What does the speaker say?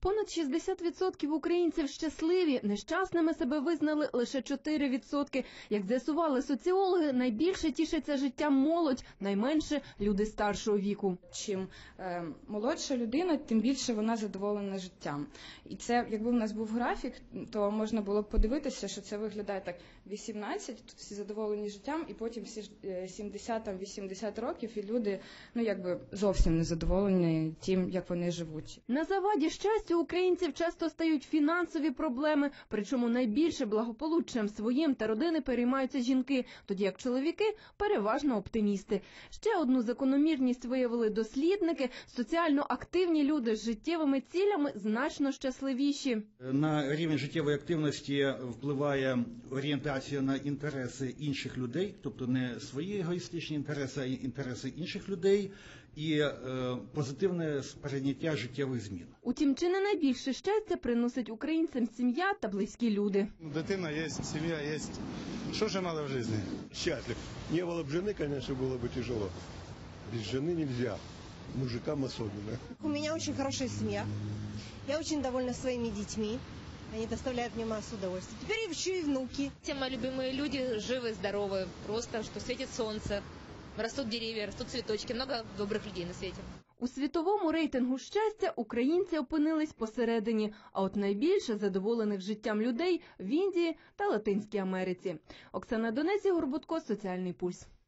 Понад 60% українців щасливі, нещасними себе визнали лише 4%. Як з'ясували соціологи, найбільше тішиться життям молодь, найменше – люди старшого віку. Чим молодша людина, тим більше вона задоволена життям. І це, якби в нас був графік, то можна було б подивитися, що це виглядає так: 18, тут всі задоволені життям, і потім всі 70-80 років, і люди, зовсім не задоволені тим, як вони живуть. На заваді щастя українців часто стають фінансові проблеми, причому найбільше благополуччям своїм та родини переймаються жінки, тоді як чоловіки – переважно оптимісти. Ще одну закономірність виявили дослідники – соціально активні люди з життєвими цілями значно щасливіші. На рівень життєвої активності впливає орієнтація на інтереси інших людей, тобто не свої егоїстичні інтереси, а інтереси інших людей, і позитивне сприйняття життєвих змін. Утім, чи не найбільше щастя приносить українцям сім'я та близькі люди? Дитина є, сім'я є. Що ж мало в житті? Счастлив. Не было бы жены, конечно, было бы тяжело. Без жены нельзя. Мужикам особенно. У меня очень хорошая семья. Я очень довольна своими детьми. Они доставляют мне массу удовольствия. Теперь еще и внуки. Все мои любимые люди живы, здоровы. Просто, что светит солнце, растут деревья, растут цветочки. Много добрых людей на свете. У світовому рейтингу щастя українці опинились посередині, а от найбільше задоволених життям людей в Індії та Латинській Америці. Оксана Донець, Ігор Будко, Соціальний пульс.